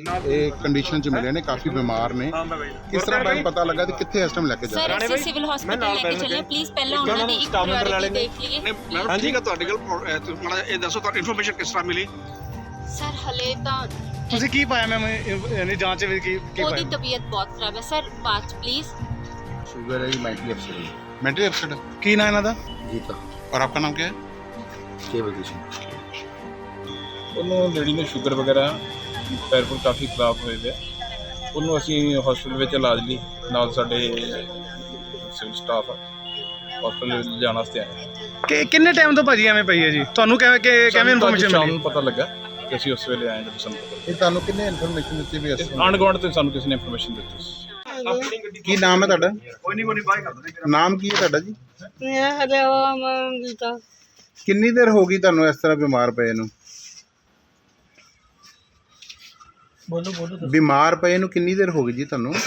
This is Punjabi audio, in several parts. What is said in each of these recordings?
ਇਹ ਕੰਡੀਸ਼ਨ ਚ ਮਿਲੇ ਨੇ, ਕਾਫੀ ਬਿਮਾਰ ਨੇ। ਕਿਸ ਤਰ੍ਹਾਂ ਦਾ ਪਤਾ ਲੱਗਾ ਤੇ ਕਿੱਥੇ ਇਸ ਟਾਈਮ ਲੈ ਕੇ ਜਾ ਰਹੇ? ਸਰ ਅਸੀਂ ਸਿਵਲ ਹਸਪੀਟਲ ਲੈ ਕੇ ਚੱਲੇ, ਪਲੀਜ਼ ਪਹਿਲਾਂ ਉਹਨਾਂ ਦੀ ਇੱਕ ਪ੍ਰਾਇੋਰਟੀ ਦੇਖ ਲਈਏ। ਹਾਂਜੀ ਕਾ ਤੁਹਾਡੇ ਕੋਲ ਮਾੜਾ ਇਹ ਦੱਸੋ ਤੁਹਾਨੂੰ ਇਨਫੋਰਮੇਸ਼ਨ ਕਿਸ ਤਰ੍ਹਾਂ ਮਿਲੀ? ਸਰ ਹਲੇ ਤਾਂ ਤੁਸੀਂ ਕੀ ਪਾਇਆ ਮੈਮ ਯਾਨੀ ਜਾਂਚ ਵਿੱਚ ਕੀ ਉਹਦੀ ਤਬੀਅਤ ਬਹੁਤ ਖਰਾਬ ਹੈ ਸਰ, ਬਾਅਦ प्लीज। शुगर है, मेंटली अपसेट है। मेंटली अपसेट है। ਕੀ ਨਾਂ ਇਹਨਾਂ ਦਾ? गीता। और आपका नाम क्या है? केवल कृष्ण। ਉਹਨੂੰ ਲੇਡੀ ਨੂੰ ਸ਼ੂਗਰ ਵਗੈਰਾ ਪੈਰ ਪੁਰ ਕਾਫੀ ਖਰਾਬ ਹੋਏ ਪਿਆ। ਉਹਨੂੰ ਅਸੀਂ ਹਸਪੀਟਲ ਵਿੱਚ ਇਲਾਜ ਲਈ ਨਾਲ ਸਾਡੇ ਸਿਵਲ ਸਟਾਫ ਹਸਪੀਟਲ ਜਾਣ ਵਾਸਤੇ ਆਏ। ਕਿੰਨੇ ਟਾਈਮ ਤੋਂ ਭਾਜੀ ਐਵੇਂ ਪਈ ਹੈ ਜੀ? ਤੁਹਾਨੂੰ ਕਿਵੇਂ ਇਨਫੋਰਮੇਸ਼ਨ ਸ਼ਾਮ ਮਿਲੀ? ਨੂੰ ਪਤਾ ਲੱਗਾ ਕਿ ਅਸੀਂ ਉਸ ਵੇਲੇ ਆਏ ਜਦੋਂ ਸਾਨੂੰ ਪਤਾ ਇਹ ਤੁਹਾਨੂੰ ਕਿੰਨੇ ਇਨਫੋਰਮੇਸ਼ਨ ਦਿੱਤੀ ਵੀ ਅਸੀਂ? ਆਂਢ ਗੁਆਂਢ ਤੇ ਸਾਨੂੰ ਕਿਸੇ ਨੇ ਇਨਫੋਰਮੇਸ਼ਨ ਦਿੱਤੀ ਸੀ। ਕੀ ਨਾਮ ਹੈ ਤੁਹਾਡਾ? ਨਾਮ ਕੀ ਹੈ ਤੁਹਾਡਾ ਜੀ? ਗੀਤਾ। ਕਿੰਨੀ ਦੇਰ ਹੋ ਗਈ ਤੁਹਾਨੂੰ ਇਸ ਤਰ੍ਹਾਂ ਬਿਮਾਰ ਪਏ ਨੂੰ? ਬਿਮਾਰ ਪਏ ਨੂੰ ਕਿੰਨੀ ਦੇਰ ਹੋ ਗਈ ਜੀ ਤੁਹਾਨੂੰ?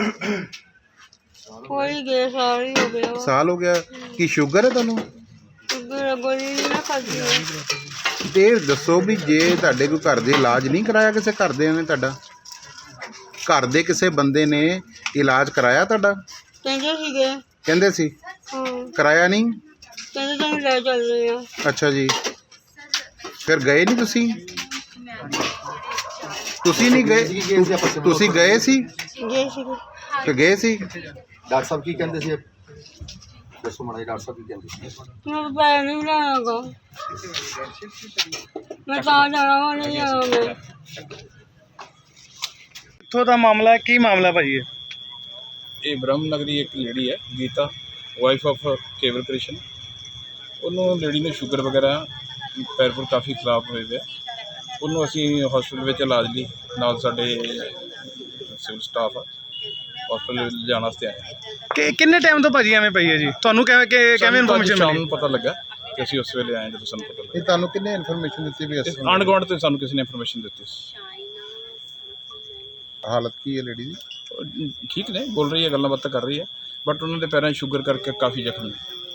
ਕੋਈ ਗਏ ਸਾਲ ਹੀ ਹੋ ਗਿਆ। ਸਾਲ ਹੋ ਗਿਆ। ਕੀ ਸ਼ੂਗਰ ਹੈ ਤੁਹਾਨੂੰ? ਗੋਲੀ ਨਾ ਖਾਦੀ। ਤੇ ਇਹ ਦੱਸੋ ਵੀ ਜੇ ਤੁਹਾਡੇ ਕੋਈ ਘਰ ਦੇ ਇਲਾਜ ਨਹੀਂ ਕਰਾਇਆ, ਕਿਸੇ ਘਰ ਦੇ ਨੇ ਤੁਹਾਡਾ ਘਰ ਦੇ ਕਿਸੇ ਬੰਦੇ ਨੇ ਇਲਾਜ ਕਰਾਇਆ ਤੁਹਾਡਾ? ਕਹਿੰਦੇ ਸੀਗੇ। ਕਹਿੰਦੇ ਸੀ ਹਾਂ ਕਰਾਇਆ ਨਹੀਂ? ਕਹਿੰਦੇ ਤੁਹਾਨੂੰ ਲੈ ਚੱਲਦੇ ਆ। ਅੱਛਾ ਜੀ, ਫਿਰ ਗਏ ਨਹੀਂ ਤੁਸੀਂ? ਤੁਸੀਂ ਨਹੀਂ ਗਏ? ਤੁਸੀਂ ਗਏ ਸੀ? ਗਏ ਸੀਗੇ। ਤੇ ਗਏ ਸੀ? ਡਾਕਟਰ ਸਾਹਿਬ ਕੀ ਕਹਿੰਦੇ ਸੀ? ਦੱਸੋ ਮਾੜਾ ਜਿਹਾ, ਡਾਕਟਰ ਸਾਹਿਬ ਕੀ ਕਹਿੰਦੇ ਸੀ? ਮੈਂ ਪੈਰ ਨਹੀਂ ਬਣਾਉਣਾ। ਮੈਂ ਤਾਂ ਜਾਣਾ ਵਾ, ਨਹੀਂ ਜਾਣਾ ਮੈਂ। ਕਿੱਥੋਂ ਦਾ ਮਾਮਲਾ ਹੈ? ਕੀ ਮਾਮਲਾ ਭਾਜੀ ਇਹ? ਇਹ ਬ੍ਰਹਮ ਨਗਰੀ ਇੱਕ ਲੇਡੀ ਹੈ ਗੀਤਾ, ਵਾਈਫ ਆਫ ਕੇਵਲ ਕ੍ਰਿਸ਼ਨ। ਉਹਨੂੰ ਲੇਡੀ ਨੂੰ ਸ਼ੂਗਰ ਵਗੈਰਾ ਪੈਰ ਪੁਰ ਕਾਫੀ ਖਰਾਬ ਹੋਏ ਪਿਆ। ਉਹਨੂੰ ਅਸੀਂ ਹਸਪੀਟਲ ਵਿੱਚ ਇਲਾਜ ਲਈ ਨਾਲ ਸਾਡੇ ਸਿਵਲ ਸਟਾਫ ਹਸਪੀਟਲ ਜਾਣ ਵਾਸਤੇ ਆਏ। ਕਿੰਨੇ ਟਾਈਮ ਤੋਂ ਭਾਜੀ ਐਵੇਂ ਪਈ ਹੈ ਜੀ? ਤੁਹਾਨੂੰ ਕਿਵੇਂ ਇਨਫੋਰਮੇਸ਼ਨ ਸ਼ਾਮ ਮਿਲੀ? ਨੂੰ ਪਤਾ ਲੱਗਾ ਕਿ ਅਸੀਂ ਉਸ ਵੇਲੇ ਆਏ ਜਦੋਂ ਸਾਨੂੰ ਪਤਾ ਲੱਗਾ। ਇਹ ਤੁਹਾਨੂੰ ਕਿੰਨੇ ਇਨਫੋਰਮੇਸ਼ਨ ਦਿੱਤੀ ਵੀ ਅਸੀਂ? ਆਂਢ ਗੁਆਂਢ ਤੇ ਸਾਨੂੰ ਕਿਸੇ ਨੇ ਇਨਫੋਰਮੇਸ਼ਨ ਦਿੱਤੀ ਸੀ। ਹਾਲਤ ਕੀ ਹੈ ਲੇਡੀ ਦੀ? ਉਹ ਠੀਕ ਨੇ, ਬੋਲ ਰਹੀ ਹੈ, ਗੱਲਾਂ ਬਾਤਾਂ ਕਰ ਰਹੀ ਹੈ, ਬਟ ਉਹਨਾਂ ਦੇ ਪੈਰਾਂ 'ਚ ਸ਼ੂਗਰ ਕਰਕੇ ਕਾਫੀ ਜ਼ਖਮੀ।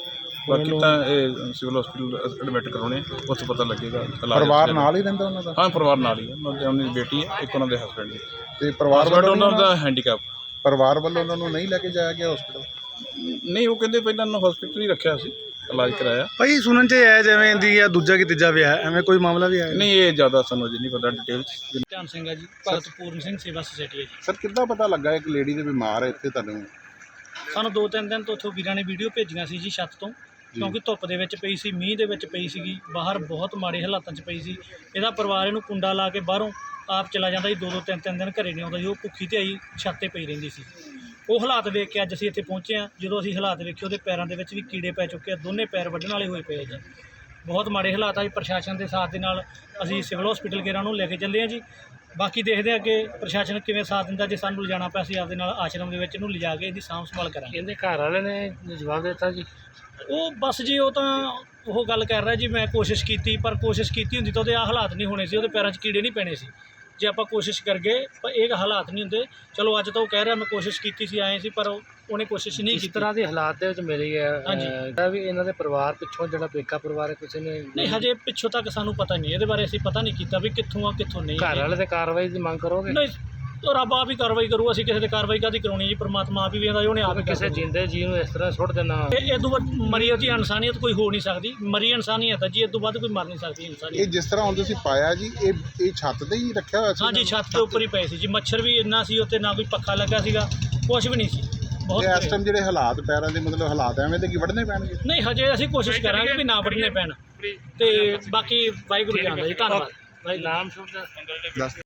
ਬਾਕੀ ਤਾਂ ਇਹ ਸਿਵਲ ਹਸਪੀਟਲ ਐਡਮਿਟ ਕਰਾਉਣੇ, ਉੱਥੇ ਪਤਾ ਲੱਗੇਗਾ। ਪਰਿਵਾਰ ਨਾਲ ਹੀ ਰਹਿੰਦਾ ਉਹਨਾਂ ਦਾ? ਹਾਂ, ਪਰਿਵਾਰ ਨਾਲ ਹੀ ਹੈ। ਉਹਨਾਂ ਦੀ ਬੇਟੀ ਹੈ, ਇੱਕ ਉਹਨਾਂ ਦੇ ਹਸਬੈਂਡ ਦੀ। ਤੇ ਪਰਿਵਾਰ ਵੱਲੋਂ ਉਹਨਾਂ ਦਾ ਹੈਂਡੀਕੈਪ। ਪਰਿਵਾਰ ਵੱਲੋਂ ਉਹਨਾਂ ਨੂੰ ਨਹੀਂ ਲੈ ਕੇ ਜਾਇਆ ਗਿਆ ਹਸਪੀਟਲ? ਨਹੀਂ, ਉਹ ਕਹਿੰਦੇ ਪਹਿਲਾਂ ਉਹਨੂੰ ਹਸਪੀਟਲ ਹੀ ਰੱਖਿਆ ਸੀ, ਇਲਾਜ ਕਰਾਇਆ। ਭਾਈ ਸੁਣਨ 'ਚ ਹੈ ਜਿਵੇਂ ਦੀ ਆ ਦੂਜਾ ਕਿ ਤੀਜਾ ਵਿਆਹ, ਐਵੇਂ ਕੋਈ ਮਾਮਲਾ ਵੀ ਹੈ? ਨਹੀਂ, ਇਹ ਜ਼ਿਆਦਾ ਸਾਨੂੰ ਅਜੇ ਨਹੀਂ ਪਤਾ ਡਿਟੇਲ 'ਚ। ਧਿਆਨ ਸਿੰਘ ਹੈ ਜੀ, ਭਗਤ ਪੂਰਨ ਸਿੰਘ ਸੇਵਾ ਸੁਸਾਇਟੀ ਹੈ ਜੀ। ਸਰ ਕਿੱਦਾਂ ਪਤਾ ਲੱਗਾ ਇੱਕ ਲੇਡੀ ਦੇ ਬਿਮਾਰ ਹੈ ਇੱਥੇ ਤੁਹਾਨੂੰ? ਸਾਨੂੰ 2-3 ਦਿਨ ਤੋਂ ਉੱਥੋਂ ਵੀਰਾਂ ਨੇ ਵੀਡੀਓ ਭੇਜੀਆਂ ਸੀ ਜੀ ਛੱਤ ਤੋਂ, ਕਿਉਂਕਿ ਧੁੱਪ ਦੇ ਵਿੱਚ ਪਈ ਸੀ, ਮੀਂਹ ਦੇ ਵਿੱਚ ਪਈ ਸੀਗੀ, ਬਾਹਰ ਬਹੁਤ ਮਾੜੇ ਹਾਲਾਤਾਂ 'ਚ ਪਈ ਸੀ। ਇਹਦਾ ਪਰਿਵਾਰ ਇਹਨੂੰ ਕੁੰਡਾ ਲਾ ਕੇ ਬਾਹਰੋਂ ਆਪ ਚਲਾ ਜਾਂਦਾ ਜੀ, 2-2 3-3 ਦਿਨ ਘਰੇ ਨਹੀਂ ਆਉਂਦਾ ਜੀ। ਉਹ ਭੁੱਖੀ ਤੇ ਆਈ ਛੱਤ 'ਤੇ ਪਈ ਰਹਿੰਦੀ ਸੀ। ਉਹ ਹਾਲਾਤ ਵੇਖ ਕੇ ਅੱਜ ਅਸੀਂ ਇੱਥੇ ਪਹੁੰਚੇ ਹਾਂ। ਜਦੋਂ ਅਸੀਂ ਹਾਲਾਤ ਵੇਖੇ, ਉਹਦੇ ਪੈਰਾਂ ਦੇ ਵਿੱਚ ਵੀ ਕੀੜੇ ਪੈ ਚੁੱਕੇ ਆ, ਦੋਨੇ ਪੈਰ ਵੱਢਣ ਵਾਲੇ ਹੋਏ ਪਏ ਜੀ। ਬਹੁਤ ਮਾੜੇ ਹਾਲਾਤ ਆ ਜੀ। ਪ੍ਰਸ਼ਾਸਨ ਦੇ ਸਾਥ ਦੇ ਨਾਲ ਅਸੀਂ ਸਿਵਲ ਹਸਪੀਟਲ ਗੇਰਾਂ ਨੂੰ ਲੈ ਕੇ ਚੱਲੇ ਹਾਂ ਜੀ। ਬਾਕੀ ਦੇਖਦੇ ਹਾਂ ਕਿ ਪ੍ਰਸ਼ਾਸਨ ਕਿਵੇਂ ਸਾਥ ਦਿੰਦਾ। ਜੇ ਸਾਨੂੰ ਲਿਜਾਣਾ ਪਿਆ, ਅਸੀਂ ਆਪਦੇ ਨਾਲ ਆਸ਼ਰਮ ਦੇ ਵਿੱਚ ਇਹਨੂੰ ਲਿਜਾ ਕੇ ਇਹਦੀ ਸਾਂਭ ਸੰਭਾਲ ਕਰਾਂਗੇ। ਇਹਦੇ ਘਰ ਵਾਲੇ ਨੇ ਜਵਾਬ ਦਿੱਤਾ ਜੀ? ਉਹ ਬਸ ਜੀ, ਉਹ ਤਾਂ ਉਹ ਗੱਲ ਕਰ ਰਿਹਾ ਜੀ, ਮੈਂ ਕੋਸ਼ਿਸ਼ ਕੀਤੀ, ਪਰ ਕੋਸ਼ਿਸ਼ ਕੀਤੀ ਹੁੰਦੀ ਤਾਂ ਉਹਦੇ ਆਹ ਹਾਲਾਤ ਨਹੀਂ ਹੋਣੇ ਸੀ, ਉਹਦੇ ਪੈਰਾਂ 'ਚ ਕੀੜੇ ਨਹੀਂ ਪੈਣੇ ਸੀ ਜੇ ਆਪਾਂ ਕੋਸ਼ਿਸ਼ ਕਰ ਗਏ। ਪਰ ਇਹ ਹਾਲਾਤ ਨਹੀਂ ਹੁੰਦੇ। ਚਲੋ ਅੱਜ ਤਾਂ ਉਹ ਕਹਿ ਰਿਹਾ ਮੈਂ ਕੋਸ਼ਿਸ਼ ਕੀਤੀ ਸੀ, ਆਏ ਸੀ, ਪਰ ਉਹਨੇ ਕੋਸ਼ਿਸ਼ ਨਹੀਂ ਕੀਤੀ। ਇਸ ਤਰ੍ਹਾਂ ਦੇ ਹਾਲਾਤ ਦੇ ਵਿੱਚ ਮਿਲੀ ਹੈ। ਹਾਂਜੀ। ਵੀ ਇਹਨਾਂ ਦੇ ਪਰਿਵਾਰ ਪਿੱਛੋਂ ਜਿਹੜਾ ਪੇਕਾ ਪਰਿਵਾਰ ਹੈ ਕਿਸੇ ਨੇ ਨਹੀਂ, ਹਜੇ ਪਿੱਛੋਂ ਤੱਕ ਸਾਨੂੰ ਪਤਾ ਨਹੀਂ, ਇਹਦੇ ਬਾਰੇ ਅਸੀਂ ਪਤਾ ਨਹੀਂ ਕੀਤਾ ਵੀ ਕਿੱਥੋਂ ਆ ਕਿੱਥੋਂ ਨਹੀਂ। ਘਰ ਵਾਲੇ ਤੇ ਕਾਰਵਾਈ ਦੀ ਮੰਗ ਕਰੋਗੇ? ਨਹੀਂ, ਉਹ ਰੱਬ ਆਪ ਹੀ ਕਾਰਵਾਈ ਕਰੂ। ਅਸੀਂ ਕਿਸੇ ਤੇ ਕਾਰਵਾਈ ਕਾਹਦੀ ਕਰਾਉਣੀ ਜੀ? ਪਰਮਾਤਮਾ ਆਪ ਹੀ ਵੇਖਦਾ, ਉਹਨੇ ਆਪ ਹੀ ਕਿਸੇ ਜਿੰਦੇ ਜੀਵ ਨੂੰ ਇਸ ਤਰ੍ਹਾਂ ਸੁੱਟ ਦੇਣਾ? ਇਹ ਤੋਂ ਬਾਅਦ ਮਰੀ ਉਹਦੀ ਇਨਸਾਨੀਅਤ ਕੋਈ ਹੋ ਨਹੀਂ ਸਕਦੀ। ਮਰੀ ਇਨਸਾਨੀਅਤ ਹੈ ਜੀ, ਇਹ ਤੋਂ ਬਾਅਦ ਕੋਈ ਮਰ ਨਹੀਂ ਸਕਦੀ ਇਨਸਾਨੀਅਤ। ਇਹ ਜਿਸ ਤਰ੍ਹਾਂ ਹੁਣ ਤੁਸੀਂ ਪਾਇਆ ਜੀ, ਇਹ ਛੱਤ ਤੇ ਹੀ ਰੱਖਿਆ ਹੋਇਆ ਸੀ? ਹਾਂਜੀ, ਛੱਤ ਦੇ ਉੱਪਰ ਹੀ ਪਏ ਸੀ ਜੀ। ਮੱਛਰ ਵੀ ਇੰਨਾ ਸੀ ਉੱਤੇ, ਨਾ ਕੋਈ ਪੱਖਾ ਲੱਗਾ ਸੀਗਾ, ਕੁਛ ਵੀ ਨਹੀਂ ਸੀ। ਬਹੁਤ ਇਸ ਟਾਈਮ ਜਿਹੜੇ ਹਾਲਾਤ ਪੈਰਾਂ ਦੇ ਮਤਲਬ ਹਾਲਾਤ ਐਵੇਂ ਦੇ ਕੀ ਵੱਢਣੇ ਪੈਣਗੇ? ਨਹੀਂ, ਹਜੇ ਅਸੀਂ ਕੋਸ਼ਿਸ਼ ਕਰਾਂਗੇ ਵੀ ਨਾ ਵੱਢਣੇ ਪੈਣ, ਤੇ ਬਾਕੀ ਵਾਹਿਗੁਰੂ ਜਾਣਦਾ ਜੀ। ਧੰਨਵਾਦ। ਨਾਮ ਸ਼ੁਭ